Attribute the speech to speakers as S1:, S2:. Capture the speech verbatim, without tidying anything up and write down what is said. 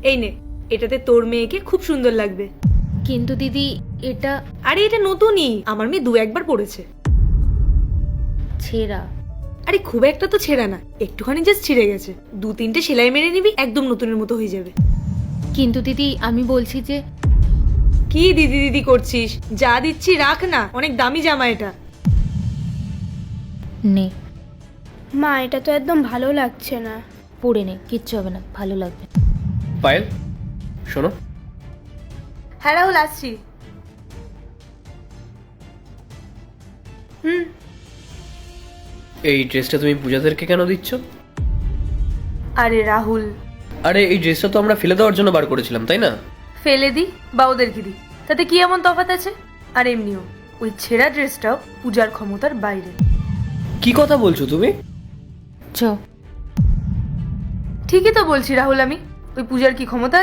S1: এই নে, এটাতে তোর মেয়েকে খুব সুন্দর লাগবে।
S2: কিন্তু দিদি এটা
S1: আরে এটা নতুনই, আমার মেয়ে দু একবার পড়েছে।
S2: ছেঁড়া।
S1: আরে খুব একটা তো ছেঁড়া না, একটুখানি জাস্ট ছিঁড়ে গেছে। দু তিনটে সেলাই মেরে নিবি, একদম নতুনের মতো হয়ে যাবে।
S2: কিন্তু দিদি আমি বলছি যে
S1: কি দিদি দিদি করছিস? যা দিচ্ছি রাখ না, অনেক দামি জামা এটা।
S2: নে
S3: মা এটা তো একদম ভালো লাগছে না।
S2: পরে নে, কিচ্ছু হবে না, ভালো লাগবে।
S4: পায়েল শোনো,
S1: হ্যাঁ রাহুল, আসছি। হুম।
S4: এই ড্রেসটা তুমি পূজাদেরকে কেন দিচ্ছ?
S1: আরে রাহুল,
S4: আরে এই ড্রেসটা তো আমরা ফেলে দেওয়ার জন্য বার করেছিলাম, তাই না?
S1: ফেলে দি বা ওদেরকে দি, তাতে কি এমন তফাৎ আছে? আর এমনিও ওই ছেঁড়া ড্রেসটাও পূজার ক্ষমতার বাইরে।
S4: কি কথা বলছো তুমি?
S2: চ
S1: ঠিকই তো বলছি রাহুল, আমি ওই পূজার কি ক্ষমতা